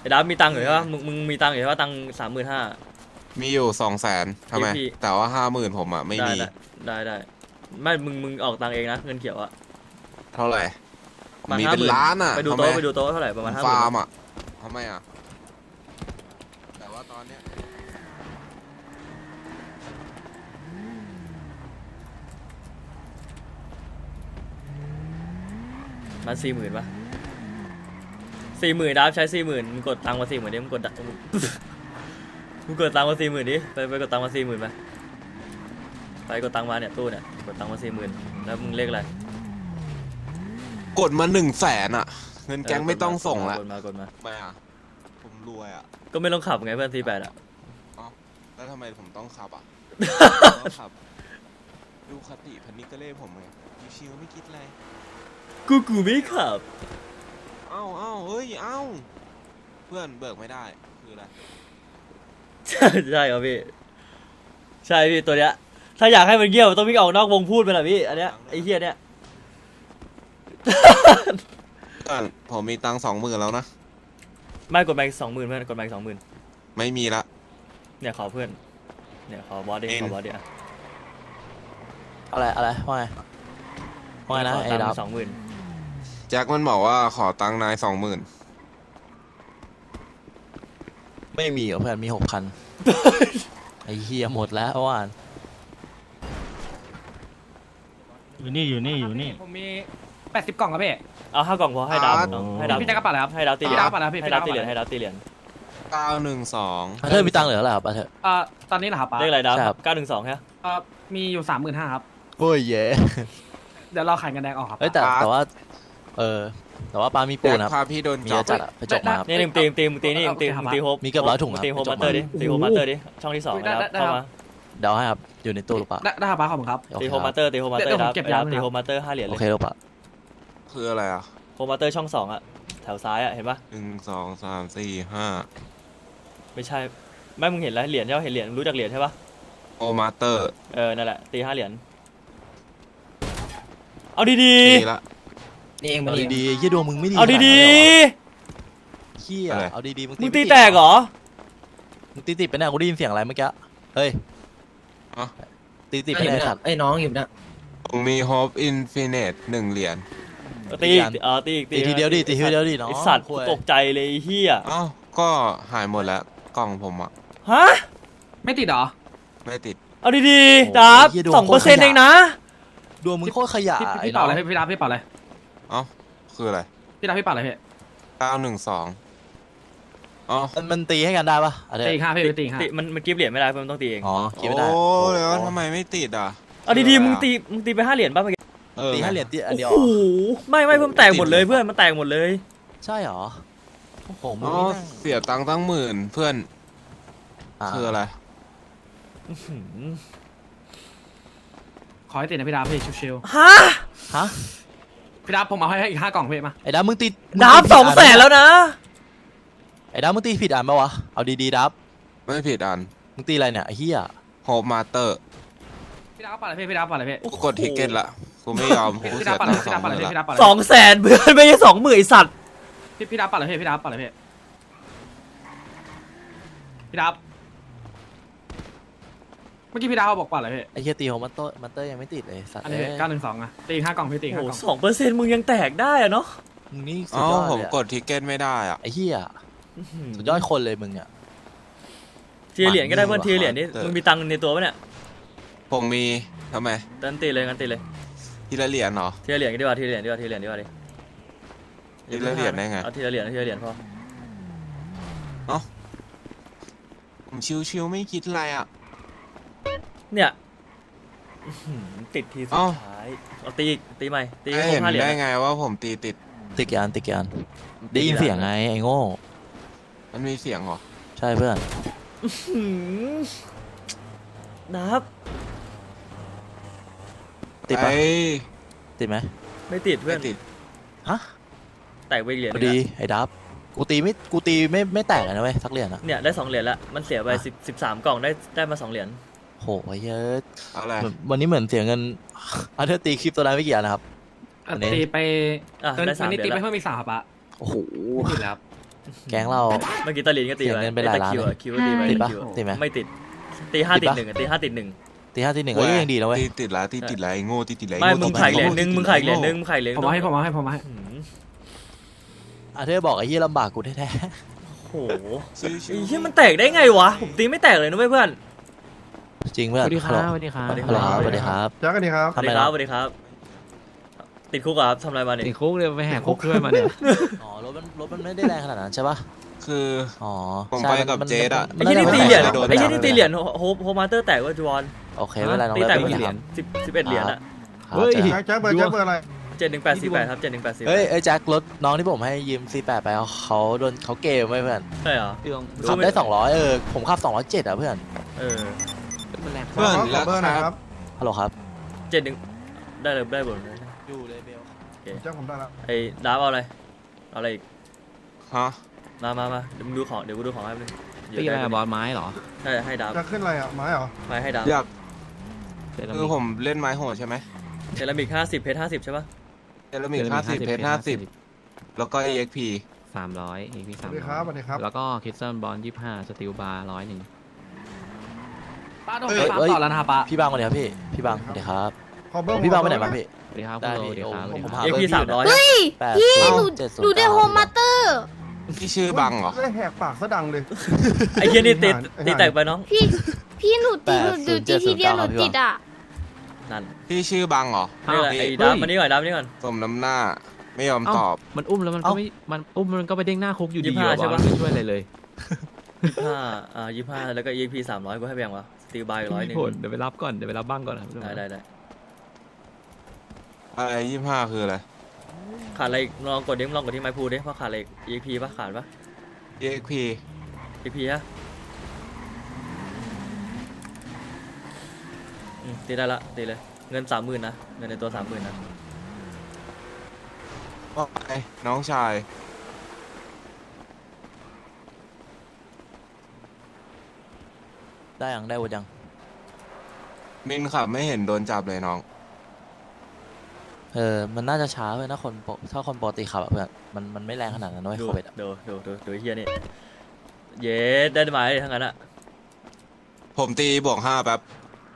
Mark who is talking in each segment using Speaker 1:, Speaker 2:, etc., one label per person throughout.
Speaker 1: อ้ดับมีตังค์อยู่ใช่ปะมึงมีตังค์อยู่ใช่ปะตังค์35,000
Speaker 2: มีอยู่200,000ทำไม
Speaker 1: พี่
Speaker 2: แต่ว่า50,000ผมอ่ะไม่มี
Speaker 1: ได้ไม่มึงออกตังค์เองนะเงินเขียวอะ
Speaker 2: เท่าไหร่ผม
Speaker 1: ประมาณ
Speaker 2: มีเป็น
Speaker 1: 50,000
Speaker 2: ล้านอ่ะ
Speaker 1: ไปดู
Speaker 2: ทำไม
Speaker 1: โต๊ะเท่าไหร่ประมาณ
Speaker 2: ผม
Speaker 1: 50,000
Speaker 2: ฟาร์มอ่ะทำไมอ่ะแต่ว่าตอนเนี้ย
Speaker 1: มา40,000ปะ40,000ดับใช้40,000มึงกดตังค์มา40,000ดิมึงกดมึงกดตังค์มา40,000ดิไปกดตังค์มา40,000ไปกดตังค์มาเนี่ยตู้เนี่ยกดตังค์มา40,000แล้วมึงเลขอะไร
Speaker 2: กดมา100,000อ่ะ เงินแก๊งไม่ต้องส่งละ
Speaker 1: กดมา
Speaker 2: ไม่อ่ะผมรวยอ่ะ
Speaker 1: ก็ไม่ต้องขับไงเพื่อน48อ่ะ
Speaker 2: เอ้าแล้วทำไมผมต้องขับอ่ะ ต้องขับดูคติพันนิกเล่ผมไงชิวๆไม่คิดอะไร
Speaker 1: กูไม่ขับ
Speaker 2: เอ้าเฮ้ยเอ้าเพื่อนเบิกไม่ได้คืออะไร
Speaker 1: ใช่ครับพี่ใช่พี่ตัวเนี้ยถ้าอยากให้มันเงี้ยวต้องวิ่งออกนอกวงพูดไปแหละพี่อันเนี้ยไอ้เหี้ยเนี้ย
Speaker 2: เพื่อนผมมีตังค์20,000แล้วนะ
Speaker 1: ไม่กดแบงค์20,000เพื่อนกดแบงค์20,000
Speaker 2: ไม่มีละ
Speaker 1: เนี่ยขอเพื่อนเนี่ยขอบอสดิ
Speaker 2: เอ็น
Speaker 1: ขอบอสดิอ่ะ
Speaker 3: อะไรว่าไงนะไอ้ดับ
Speaker 1: 20,000
Speaker 2: แจ็คมันบอกว่าขอตังค์นาย20,000
Speaker 3: ไม่มีเหรอเพื่อนมี6,000 ไอ้เฮียหมดแล้วว่าน
Speaker 4: อยู่นี่
Speaker 5: ผมมี80 กล่องครับพี่
Speaker 1: เอา5 กล่องพอให้ดาวน้องให้ดาว
Speaker 5: พี่แจ็คกระเป๋าอะไรครับ
Speaker 1: ให้ดาวตีเหรียญ
Speaker 5: พี่ดาวกระเป๋าอะไรพี่
Speaker 1: ให้ดาวตีเหรียญให้ดาวตีเหรียญ
Speaker 2: 912
Speaker 3: เธอมีตังค์เหลือเท่าไหร่ครับเธอ
Speaker 5: ตอนนี้เหรอครับป้า
Speaker 1: เลขอะไรดาว
Speaker 3: ใช่ครับ
Speaker 1: 912ใช่ไหม
Speaker 5: มีอยู่ 35,000ครับ
Speaker 3: โอ้ยเย่
Speaker 5: เดี๋ยวเราขายกันแดงออกครับ
Speaker 3: เอ้ยแต่ว่าแต่ว่าปลามีปู
Speaker 2: แจ็ค
Speaker 3: นะครับ
Speaker 2: พาพี่โดน
Speaker 3: มี
Speaker 2: จั
Speaker 3: เย
Speaker 2: บ
Speaker 3: อะจัดอะไปจกมาครับ
Speaker 1: นี่มึงตีนี่มึงตีโฮป
Speaker 3: มีเกือบ100ถุงครับ
Speaker 1: ตีโฮป
Speaker 3: ไปจ
Speaker 1: มา
Speaker 3: บ
Speaker 1: เตอร์ดิ
Speaker 5: มา
Speaker 1: ตีโฮปมาเตอร์ดิช่องที่2นะครับเข้ามา
Speaker 3: เดี๋ยวให้ครับอยู่ในตู้หรือเปล่า
Speaker 5: ได้ครับป้าขอบคุณครับ
Speaker 3: โอ
Speaker 1: ตี
Speaker 3: เค
Speaker 1: โฮป
Speaker 3: ค
Speaker 1: มา
Speaker 3: รับ
Speaker 1: เตอร์ตีโฮปมาเตอร์
Speaker 5: เดี๋ยวผม
Speaker 1: ดับ
Speaker 5: เก็บ
Speaker 1: ดับ
Speaker 5: ยาว
Speaker 1: ตีโฮปมาเตอร์5 เหรียญ
Speaker 3: โอ
Speaker 1: เลย
Speaker 3: เคหรือเปล่า
Speaker 2: คืออะไรอ่ะ
Speaker 1: โฮปมาเตอร์ช่อง2อ่ะแถวซ้ายอ่ะเห็นปะ
Speaker 2: 1 2 3 4 5
Speaker 1: ไม่ใช่ไม่มึงเห็นแล้วเหรียญใช่ปะเห็นเหรียญรู้จักเหรียญใช่ปะ
Speaker 2: โอมาเตอร์
Speaker 1: นั่นแหละตี5 เหรียญเอาดี
Speaker 2: นี่ละ
Speaker 5: นี่เอง
Speaker 3: เอาดีๆเฮียดวงมึงไม่ดี
Speaker 1: ๆเอาดี
Speaker 3: เฮีย
Speaker 2: อะไร
Speaker 3: เอาดีๆ
Speaker 1: ๆมึงตีแตกเหรอ
Speaker 3: มึงตีติดไปเนี่ยกูได้ยินเสียงอะไรเมื่อกี้เฮ้ย
Speaker 2: อ๋อ
Speaker 3: ตีติดไปเนี่ยสัตว์
Speaker 5: ไอ้น้องอยู่นะ
Speaker 2: ผมมี Hope Infinite 1 เหรียญ
Speaker 1: ตีอีกตีอีก
Speaker 3: ตีทีเดียวดิตีทีเดียวดิน้อง
Speaker 1: ไอสัตว์
Speaker 3: คุย
Speaker 1: ตกใจเลยไอ้เฮีย
Speaker 2: เอ้าก็หายหมดแล้ว กล่องผมอ่ะ
Speaker 1: ฮะ
Speaker 5: ไม่ติดเหรอ
Speaker 2: ไม่ติด
Speaker 1: เอาดีๆดับ2%เองนะ
Speaker 3: ดวงมึงโคตรขยะ
Speaker 5: พี่เป่าอะไรพี่รับพี่เป่าอะไร
Speaker 2: เอ้าคืออะไร
Speaker 5: พี่รับพี่เป่าอะไรพี่
Speaker 2: 912อ๋อ
Speaker 3: มันตีให้กันได้ปะอะไร
Speaker 5: ตี5พี่ตี5
Speaker 1: ตีมันกิฟต์เหรียญไม่ได้เพื่อนมันต้องตีเอง
Speaker 3: อ๋อคิดไม่ได้
Speaker 2: โอ้แล้วทำไมไม่ติดอ่ะ
Speaker 1: เอาดีๆมึงตีไป5 เหรียญป่ะเมื่อกี้
Speaker 3: ตีให้เหรียญตีอันเดียว
Speaker 1: โอ้โหไม่เพิ่มนแตกหมดเลยเพื่อนมันแตกหมดเลย
Speaker 3: ใช่หรอโอ้โหมึ
Speaker 2: อ๋
Speaker 3: ง
Speaker 2: อ
Speaker 3: นี่แม่ง
Speaker 2: เสียตังค์ตั้ง10,000 เพื่อน คืออะไร
Speaker 5: ขอให้ติดนะพี่รับพี่ชิว
Speaker 1: ฮะ
Speaker 3: ฮะ
Speaker 5: ๆพี่รับผมเอาให้อีก5 กล่องพี่มา
Speaker 3: ไอ้ดับมึงตี
Speaker 1: ดับ200,000แล้วนะ
Speaker 3: ไอ้ดับมึงตีผิดอันปะวะเอาดีๆดับ
Speaker 2: ไม่ผิดอัน
Speaker 3: มึงตีอะไรเนี่ยไอ้เหี้ย
Speaker 2: Hope Master
Speaker 5: พี่รับเป่าอะไรพี่รับเป่าอะไรพี่
Speaker 2: กูกดทิกเก็ตละกูไม่ยอมกู
Speaker 5: พี่
Speaker 2: เสี
Speaker 5: รั
Speaker 2: ย
Speaker 5: บเป่า
Speaker 2: ตั
Speaker 5: อะไร
Speaker 2: งค์
Speaker 5: พี่รับเป่าอะไร
Speaker 2: 20,000
Speaker 5: พี่รับเป่าอะไร
Speaker 1: 200,000เพื่อนไม่ใช่20,000ไอ้สัตว์
Speaker 5: พี่รับเป่าอะไรพี่รับเป่าอะไรพี่พี่รับเมื่อกี้พี่รับเขาบอกเป่าอะไรพี่
Speaker 3: ไอ้เหี้ยตีของมันเตอร์ยังไม่ติดเลยสัตว์
Speaker 5: อันนี้
Speaker 3: เอ้ย
Speaker 5: 912อ่ะตี5 กล่องพี่ตี
Speaker 1: โอ้
Speaker 5: 5
Speaker 1: โห
Speaker 5: กล่อง
Speaker 1: 2%มึงยังแตกได้อะเนาะ
Speaker 3: มึงนี่สุ
Speaker 2: อ๋
Speaker 3: ด
Speaker 2: อย
Speaker 3: อด
Speaker 2: ผม
Speaker 3: เลยอะ
Speaker 2: กดทิกเก็ตไม่ได้อ่ะ
Speaker 3: ไอ้เหี้ยสุดยอดคนเลยมึงอ่ะ
Speaker 1: ทีละเหรียญก็ได้เพื่อน
Speaker 2: หมัน
Speaker 1: ทีละเหรียญนี่
Speaker 2: เออ
Speaker 1: มึงมีตังค์ในตัวปะเนี่ย
Speaker 2: ผมมีทำไม
Speaker 1: งั้นตีเลยงั้นตีเลย
Speaker 2: ทีละเหรียญเหรอ
Speaker 1: ทีละเหรียญก็ดีกว่าทีละเหรียญดีกว่าทีละเหรียญดีกว่าดิ
Speaker 2: ทีละเหรียญได้ไง
Speaker 1: เอาทีละเหรียญพอ
Speaker 2: ผมชิวๆไม่คิดอะไรอ่ะ
Speaker 1: เนี่ยอื้อหือติดทีสุด
Speaker 2: เอ้า
Speaker 1: ท้ายเอาตีอีกตีใหม่ตีให้
Speaker 2: ไม่
Speaker 1: คร
Speaker 2: เห็
Speaker 1: บ
Speaker 2: น
Speaker 1: 5 เหรียญ
Speaker 2: ได้
Speaker 1: นะ
Speaker 2: ไงว่าผมตีติด
Speaker 3: ติดกี่อันได้ยินเสียงไงไอ้โง่
Speaker 2: มันมีเสียงเหรอ
Speaker 3: ใช่เพื่อน
Speaker 1: หืมนับ
Speaker 3: ติดปะ
Speaker 2: ไอ้
Speaker 3: ติดไหม
Speaker 1: ไม่ติดเพื่
Speaker 2: ไม่
Speaker 1: อน
Speaker 2: ติด
Speaker 3: ฮะ
Speaker 1: แตกไปอีกเหรียญ
Speaker 3: พ
Speaker 1: ห
Speaker 3: อ
Speaker 1: นึ่ง
Speaker 3: ดี
Speaker 1: อะ
Speaker 3: ไอ้ดับกูตีไม่แตกเลยนะเว้ยสักเหรียญอะ
Speaker 1: เนี่ยได้2 เหรียญละมันเสียไป13 กล่องได้มา2 เหรียญ
Speaker 3: โหไอ้เหี้ยอะ
Speaker 2: อะไร
Speaker 3: วันนี้เหมือนเสียเงิน อันเธอตีคลิปตัวนั้นไม่กี่อันนะครับ
Speaker 5: ตีไป
Speaker 1: อ่ะได้3
Speaker 5: วันนี้
Speaker 1: เหรี
Speaker 5: ตี
Speaker 1: ยญ
Speaker 5: ไป
Speaker 1: ละ
Speaker 5: เพิ่มอีก3ครับปะ
Speaker 3: โอ้โห
Speaker 5: ไม่ติดแล้วครับ
Speaker 3: แก๊งเรา
Speaker 1: เมื่อกี้ตาลินก็ตี
Speaker 3: เสียเงินไปหลายล้าน
Speaker 1: คิว
Speaker 3: เลย
Speaker 1: คิวก็ตีไป
Speaker 3: ติดปะ
Speaker 1: คิว
Speaker 3: ติดไหม
Speaker 1: ไม่ติดตีห้าติดหนึ่งตีห้าติดหนึ่ง
Speaker 3: ตีห้าตีหนึ่งเอ้ยยังดีนะเว้ย
Speaker 2: ติดละติดละไอ้โง่ติดละ
Speaker 1: ไม่
Speaker 2: อ้โง่
Speaker 1: มึงขายเหรียญหนึ่งมึงขายเหรียญหนึ่งมึงขายเหรียญ
Speaker 5: ผมเอาให้ผมเอาให้ผมเอาให้
Speaker 1: หืม
Speaker 3: อ่ะเธอบอกไอ้เหี้ยลำบากกูแท้
Speaker 1: โอ้โห
Speaker 2: ซื้อ
Speaker 1: ไอ้เหี้ยมันแตกได้ไงวะผมตีไม่แตกเลยนะเว้ยเพื่อน
Speaker 3: ๆจริงเพื่อน
Speaker 4: สวัสดีครับสวัสดีครับ
Speaker 1: สวัสดี
Speaker 3: ฮัลโหลครับสวัสดีครับ
Speaker 6: จ้ากันดีครับ
Speaker 1: สวัสดีครับสวัสดีครับ ติดคุกเหรอครับทำอะไรมาเนี่ย
Speaker 4: ติดคุกเลยไปแหกคุกด้วยมาเนี่ย
Speaker 3: อ๋อรถมันไม่ได้แรงขนาดนั้นใช่ปะ
Speaker 2: คือ
Speaker 3: อ๋อ
Speaker 2: ผม
Speaker 3: ใช่
Speaker 2: ไปกับเจดอะ
Speaker 1: ไอ้ที่นี่ตีเหรียญ
Speaker 2: โดน
Speaker 1: ไอ้ที่นี่ตีเหรียญโฮมาสเตอร์แตกว่าจวน
Speaker 3: โอเคไม่เป็นไรน้อง
Speaker 1: ตีแตก
Speaker 3: ไม่
Speaker 1: กี่
Speaker 3: เป็น
Speaker 1: เหรี
Speaker 3: ไร
Speaker 1: ยญ11เหรียญอะ
Speaker 3: ครับ
Speaker 4: เฮ้ย
Speaker 3: แจ็ค
Speaker 6: แจ็คเบอร์อะไร
Speaker 1: 7188ครับ7188
Speaker 3: เฮ้ยแจ็ครถน้องที่ผมให้ยืม C8 ไปเขาโดนเขาเกมไว้เพื่อน
Speaker 1: ใช่เหรอ
Speaker 4: พี่ต้อง
Speaker 1: รู้
Speaker 3: ขับ
Speaker 1: ไหม
Speaker 3: ได้200ผมขับ207อ่ะเพื่อน
Speaker 1: เออ
Speaker 4: มันแรง
Speaker 2: เพื่อน
Speaker 6: ขอ
Speaker 2: แล้ว
Speaker 6: เบอร์หนะครับ
Speaker 3: ฮัลโหลครับ
Speaker 1: 71ได้เลยได้หมดเลย
Speaker 3: อยู่เลยเบล
Speaker 6: แจ็คผมได้แล้ว
Speaker 1: ไอ้ดาบเอาอะไรเอาอะไรอีก
Speaker 2: ฮะ
Speaker 1: มาเดี๋ยวมึงดูของเดี๋ยวกูดูของให้มึง
Speaker 4: ตีอะไรอะบอลไม้เหรอ
Speaker 1: ใช่ให้ดาบ
Speaker 6: จะขึ้นอะไรอ่ะไม้เหรอ
Speaker 1: ไปให้ดาบ
Speaker 2: อยาก
Speaker 4: เซรา
Speaker 2: คื
Speaker 4: มิ
Speaker 2: อก ผมเล่นไม้โหดใช่ไหม
Speaker 1: เซรามิก50เพชร50ใช่ปะ
Speaker 2: เซรามิก50เพชร50แล้วก็ EXP
Speaker 4: 300เอพี
Speaker 6: สวัสดีครับสวัสดีครับ
Speaker 4: แล้วก็คิดเซิลบอล25สติลบาร์101
Speaker 5: ป้าโดนไปฟาร์มต่อแล้วนะครับป้า
Speaker 3: พี่บางมาเดี๋ยวพี่พี่บางสวัสดีครับ
Speaker 6: ขอเบอร์
Speaker 3: พี่บางไปไหนบ้างพี่
Speaker 4: สวัสดีครับ
Speaker 3: ได้
Speaker 4: คุณโล
Speaker 3: พี่
Speaker 4: สวัสดีครับ
Speaker 3: โอ้ผม
Speaker 4: สวัสดีครับ
Speaker 3: หา
Speaker 1: เอ็กพี300
Speaker 3: เ
Speaker 7: เฮ้ย
Speaker 3: 8
Speaker 7: พี่หนู
Speaker 3: 7
Speaker 7: หนูได้โฮมมาสเตอร์
Speaker 2: ที่ชื่อบังเหรอ
Speaker 6: ได้แหกปากซะดังเลย
Speaker 1: ไอ้เหี้ยนี่ตี
Speaker 6: ไอ้ห่า
Speaker 1: ตีแตกไปน้อง
Speaker 7: พี่หนูตีหนูดูตีทีเดียวหนูติดอ่ะ
Speaker 1: นั่น
Speaker 2: ที่ชื่อบังเหรอ
Speaker 1: นี่แหละไอ้ดาบมานี่ก่อนดาบมานี่ก่อน
Speaker 2: สมน้ำหน้าไม่ยอม
Speaker 4: เอ้า
Speaker 2: ตอบ
Speaker 4: มันอุ้มแล้วมันก็ไม่มันอุ้มมันก็ไปเด้งหน้าคุกอยู่ดี
Speaker 1: 25
Speaker 4: อะ
Speaker 1: ใช่
Speaker 4: บอ
Speaker 1: ปะ
Speaker 4: ลไม่ช่วยอะไรเลย
Speaker 1: 25แล้วก็ EXP 300กูให้แบ่งวะสตีลบาย100นึง
Speaker 4: ผลเดี๋ยวไปรับก่อนเดี๋ยวไปรับบ้างก่อนครับ
Speaker 1: ได้
Speaker 2: อะไร25คืออะไร
Speaker 1: ขาดอะไรอีกลองกดดิลองกดที่ไม้พูดิว่าขาดอะไรอีก EXP ปะขาดปะ
Speaker 2: EXP
Speaker 1: EXP ฮะตีได้ละตีเลยเงิน 30,000นะเงินในตัว 30,000นะ
Speaker 2: ว่าไงน้องชาย
Speaker 3: ได้ยังได้วุฒิยัง
Speaker 2: มินขับไม่เห็นโดนจับเลยน้อง
Speaker 3: มันน่าจะช้าเพื่อนถ้าคนปกติขับอะเพื่อนมันไม่แรงขนาดนั้นด้วย
Speaker 1: ดู
Speaker 3: โควิดอะ
Speaker 1: ดูไอ้เฮียนี่เย้ได้ไหมทั้งนั้นอะ
Speaker 2: ผมตีบวก5แป๊บ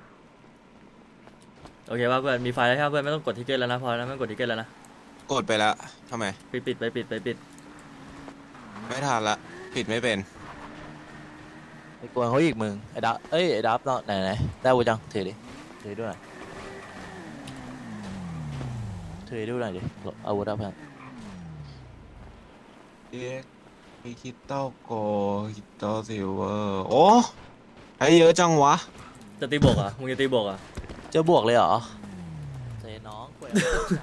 Speaker 1: โอเคป่ะเพื่อนมีไฟแล้วใช่ปะเพื่อนไม่ต้องกดทิกเก็ตแล้วนะพอแล้วไม่ต้องกดทิกเก็ตแล้วนะ
Speaker 2: กดไปแล้วทำไม
Speaker 1: ปิดไปปิด
Speaker 2: ไม่ทันละปิดไม่เป็น
Speaker 3: ไปกวนเขาอีกมึงไอ้ดับไอ้ดับเนาะไหนได้วุฒิยังถือดิถือด้วยหน่อยถือด้วยหน่อยดิอาวุธอะเพื่อน
Speaker 2: มีคิตโตโกคิตโตซิลเวอร์โอ้ให้เยอะจังวะ
Speaker 1: จะตีบวกอ่ะมึงจะตีบวกอ่ะ
Speaker 3: จะบวกเลยเหรอเซน้องกวย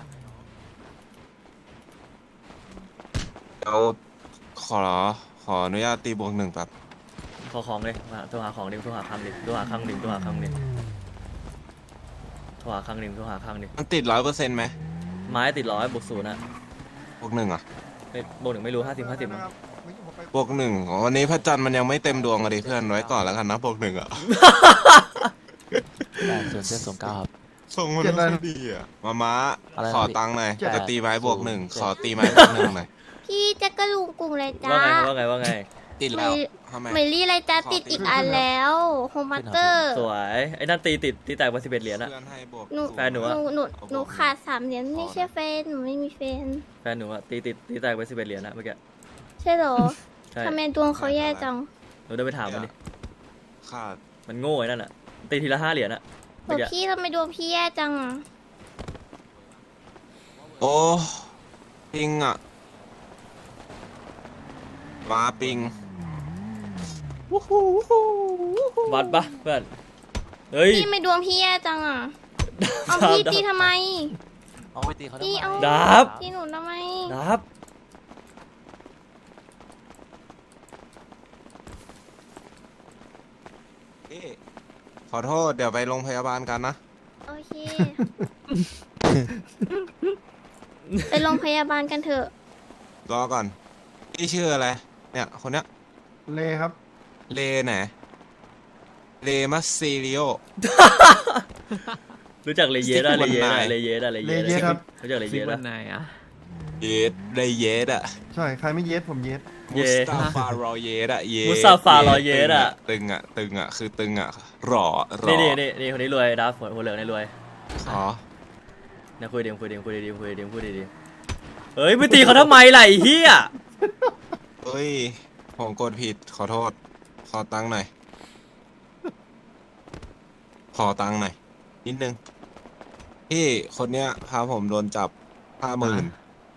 Speaker 2: เดี๋ยวขออนุญาตตีบวก1แป๊บ
Speaker 1: ขอของเลยมาโทรหาของดิโทรหาครั้งดิโทรหาครั้งดิโทรหาครั้งดิโทรหาครั้งดิโทรหาครั้งดิ
Speaker 2: มันติด100%ไหม
Speaker 1: ไม้ติด100บวก0นะ
Speaker 2: บวก1อ่ะ
Speaker 1: บวก1ไม่รู้50มั้ง
Speaker 2: บวก1วันนี้พระจันทร์มันยังไม่เต็มดวงอะดิเพื่อนไว้ก่อนแล้วกันนะบวก1อ่ะ
Speaker 3: 8709ครับ
Speaker 2: ส่งมันไม่ดีอ่ะมา
Speaker 3: อะไรนะ
Speaker 2: ขอตังค์หน่อย
Speaker 3: เจ็ด
Speaker 2: จะตีไม้บวก
Speaker 3: 0
Speaker 2: 1ขอตีไม้บวก1หน่อย
Speaker 7: พี่แจ็คกระลุงกรุงเลยจ้า
Speaker 1: ว่าไง
Speaker 2: ติดแล้วทำไม
Speaker 7: เมลี่อะไรจ้าติดอีกอันแล้วโฮมมาสเตอร์
Speaker 1: สวยไอ้นั่นตีแตกมา11เหรียญอะ
Speaker 2: เพื่อนให้บวก
Speaker 7: หนู
Speaker 1: แฟนหนูอะ
Speaker 7: หนูขาด3 เหรียญไม่ใช่แฟนหนูไม่มีแฟน
Speaker 1: แฟนหนูอะตีแตกไป11เหรียญนะเมื่อกี้
Speaker 7: ใช่เหรอ
Speaker 1: ใช่
Speaker 7: ทำไมดวงเขาแย่จัง
Speaker 1: หนูเดินไปถามมันดิ
Speaker 2: ขาด
Speaker 1: มันโง่ไอ้นั่นอะตีทีละ5เหรียญอะ
Speaker 7: โห
Speaker 1: เมื่อกี้
Speaker 7: พี่ทำไมดวงพี่แย่จังอะ
Speaker 2: โอ้ปิงอ่ะมาปิง
Speaker 1: วัดปะเพื่อนเฮ้ย
Speaker 7: พี่ทำไมดวงพี่แย่จังอะเอาพี่ตีทำไม
Speaker 3: เอาไปตีเขาทำ
Speaker 7: พี่
Speaker 3: ไม
Speaker 7: เอา
Speaker 1: ดับ
Speaker 7: ตีหนูทำไม
Speaker 1: ดับ
Speaker 2: พี่ขอโทษเดี๋ยวไปโรงพยาบาลกันนะ
Speaker 7: โอเค ไปโรงพยาบาลกันเถอะ
Speaker 2: รอก่อนพี่ชื่ออะไรเนี่ยคนเนี้ย
Speaker 6: เลครับ
Speaker 2: เลไหนเลมัสซิลิโอ
Speaker 1: รู้จักเลเยสอะเลเยสอะ
Speaker 2: Stick
Speaker 1: เลเยสอะเลเยส
Speaker 6: เลเยสครับ
Speaker 1: รู้จักเล
Speaker 4: ซิ
Speaker 1: เย
Speaker 4: ก
Speaker 1: ส
Speaker 4: วั
Speaker 1: อะ
Speaker 4: นไหนอะ
Speaker 2: เยสได้เยสอ่ะ
Speaker 6: ใช่ ใครไม่เย็ดผมเย็ด
Speaker 1: เย
Speaker 2: มุสตาฟารอเยสอ่ะเยส
Speaker 1: มุสตาฟารอเยสอะ
Speaker 2: ตึงอ่ะตึงอ่ะคือตึงอ่ะหล่อหล่อ
Speaker 1: นี่คนนี้รวยดับหัวเหลืองนี่รวย
Speaker 2: อ๋อ
Speaker 1: เนี่ยคุยดีคุยดีคุยดีคุยดีคุยดีเฮ้ยไม่ตีเขาทำไมล่ะไอ้เหี้ย
Speaker 2: เฮ้ยผมกดผิดขอโทษ ขอตังค์หน่อย ขอตังค์หน่อยนิดนึงพี่คนเนี้ยพาผมโดนจับ50,000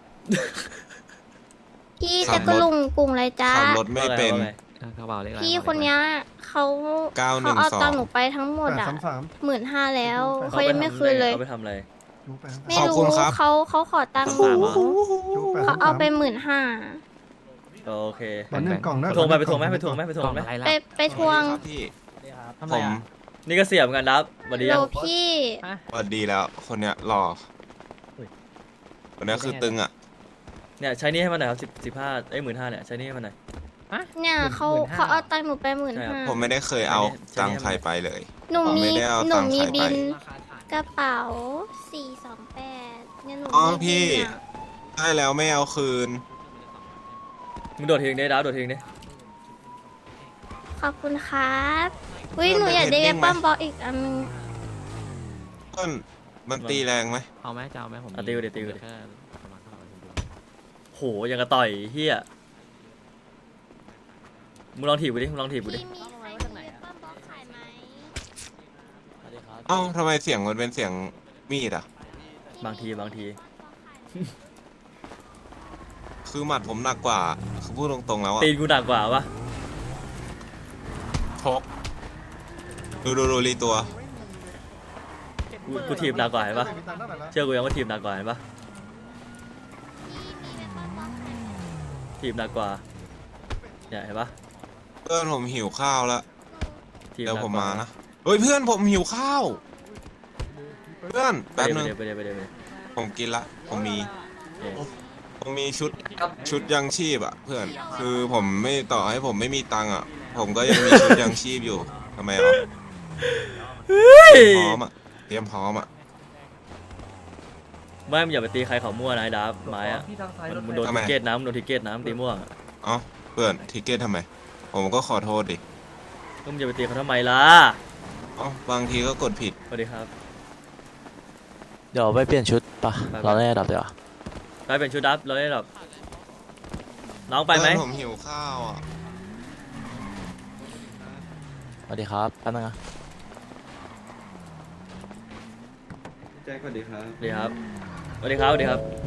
Speaker 7: พี่
Speaker 2: ขั
Speaker 7: จะ
Speaker 2: บ
Speaker 7: กระ
Speaker 2: รถ
Speaker 7: ลุงกรุงอะไรจ้า
Speaker 2: ขับรถไม่เป็น
Speaker 1: ว่าไง
Speaker 4: กระเป๋าเลขอะไร
Speaker 7: พี่คนเนี้ยเขา
Speaker 2: 912
Speaker 7: เอาตังค์หนูไปทั้งหมด
Speaker 6: แปด
Speaker 7: อ่ะ
Speaker 6: 33
Speaker 7: 15,000แล้ว
Speaker 6: เขา
Speaker 7: เขายังไม่คืนเลย
Speaker 1: เขาไปทำอะไร
Speaker 6: จูแปด
Speaker 7: ไม่
Speaker 2: ขอบ
Speaker 7: รู้
Speaker 2: คุณครับ
Speaker 7: เขาขอตังค์
Speaker 4: สามเหรอ
Speaker 6: จูแปด
Speaker 7: เขาเอาไป15,000
Speaker 1: โอเค
Speaker 6: วันหนึ่งกล่องนะ
Speaker 1: ไปทวงไหมไปทวงไหมไปทวงไหมไปทว
Speaker 4: กล่
Speaker 1: ง
Speaker 4: อง
Speaker 1: ไหม
Speaker 4: อะไรล่ะ
Speaker 7: ไปทวง
Speaker 2: ครับพี่
Speaker 5: ทำ
Speaker 2: ผ
Speaker 5: ไร
Speaker 2: ม
Speaker 5: อ่ะ
Speaker 1: นี่ก็เสียบเหมือนกันดับสวัสดี
Speaker 7: โล
Speaker 1: ยัง
Speaker 7: พี่
Speaker 2: สวัสดีแล้วคนเนี้ยหล่อคนเนี้ยคือตึงอ่ะ
Speaker 1: เนี่ยใช้นี่ให้มันหน่อยครับ1515,000เนี่ยใช้นี่ให้มันหน่อย
Speaker 7: เนี่ยเขาเอาตังค์หนูไป
Speaker 1: ใช่ครับ
Speaker 2: ผม
Speaker 7: 15,000
Speaker 2: ไม่ได้เคยเอา
Speaker 1: ใช่
Speaker 2: ตังค์ใครไปเลย
Speaker 7: หนู
Speaker 2: ผม
Speaker 7: มี
Speaker 2: ไม่ได้เอา
Speaker 7: หนู
Speaker 2: ตังค์
Speaker 7: มี
Speaker 2: ใคร
Speaker 7: บิ
Speaker 2: ไป
Speaker 7: นกระเป๋า428เนี่ยหนู
Speaker 2: อ๋อ
Speaker 7: มี
Speaker 2: พี่
Speaker 7: บินอะ
Speaker 2: ได้แล้วไม่เอาคืน
Speaker 1: มึงโดดทิ้งได้ดับโดดทิ้งดิ
Speaker 7: ขอบคุณครับอุ้ย
Speaker 2: เพิ่ม
Speaker 7: หนูอยากได้
Speaker 2: เป็นเทรนนิ่งไหม
Speaker 7: ปั้มบอลอีกอันนึง
Speaker 2: ต้นมันตีแรงไหม
Speaker 4: เอาไหมจะเอาไหมผม
Speaker 1: อ่ะติวดิติวดิ
Speaker 4: แค่ประมาณเท่าไหร่ผมดู
Speaker 1: โหยังกระต่อยเฮียมึงลองถีบกูดิมึงลองถีบกูดิ
Speaker 7: พี่มีใครมีปั้มบอลขายไหม
Speaker 3: สวัสดีครับ
Speaker 2: เอ้าทำไมเสียงมันเป็นเสียงมีดอ่ะ
Speaker 1: บางที
Speaker 2: คือหมัดผมหนักกว่า คือพูดตรงๆแล้วอ่ะ
Speaker 1: ตีนกูหนักกว่าปะ
Speaker 2: ชกดูรีตัว
Speaker 1: กูถีบหนักกว่าเห็นปะ
Speaker 6: มีตังค์เท่าไหร่แล้ว
Speaker 1: เชื่อกูยังว่าถีบหนักกว่าเห็นปะ
Speaker 7: พี่มีปั้มบอลขายไหม
Speaker 1: ถีบหนักกว่าเนี่ยเห็นปะ
Speaker 2: เพื่อนผมหิวข้าวแล้ว
Speaker 1: ถีบห
Speaker 2: เดี๋ยว
Speaker 1: นัก
Speaker 2: ผม
Speaker 1: กว่า
Speaker 2: มานะเฮ้ยเพื่อนผมหิวข้าว เพื่อน
Speaker 1: ไป
Speaker 2: แป๊บ
Speaker 1: เดี๋
Speaker 2: นึ
Speaker 1: ยว
Speaker 2: ง
Speaker 1: ไปเดี๋ยวไปเดี๋ยวไปเดี๋ยว
Speaker 2: ผมกินละผมมี
Speaker 1: เอ๊ะ
Speaker 2: ผมมีชุดยังชีพอ่ะ เพื่อน คือผมไม่ต่อให้ผมไม่มีตังค์อ่ะ ผมก็ยังมีชุดยังชีพอยู่ทำไมอ่ะพร้อมอ่ะเตรียมพร้อมอ่ะ
Speaker 1: ไม่มึงอย่าไปตีใครเขามั่วนะไอ้ดับไม้อะมันโดน
Speaker 2: ทำไม
Speaker 1: ทิเกตน้ำโดนทิเกตน้ำตีม่วงอะ
Speaker 2: เอ้าเพื่อนทิเกตทำไม ผมก็ขอโทษดิ
Speaker 1: ก็มึงอย่าไปตีเขาทำไมล่ะ
Speaker 2: เอ้าบางทีก็กดผิด
Speaker 1: สวัสดีครับ
Speaker 3: เดี๋ยวไปเปลี่ยนชุดปะ
Speaker 1: ไป
Speaker 3: เราได้ระดับเดี๋ยวา
Speaker 1: ไปเป็นชุดดับเราได้แบบน้องไปไหม
Speaker 2: เพื่อนผมหิวข้าวอ่ะ
Speaker 3: สวัสดีครับแป๊บนึงนะ
Speaker 8: แจ็คสวัสดีครับ
Speaker 1: สวัสดีครับสวัสดีครับสวัสดีครับ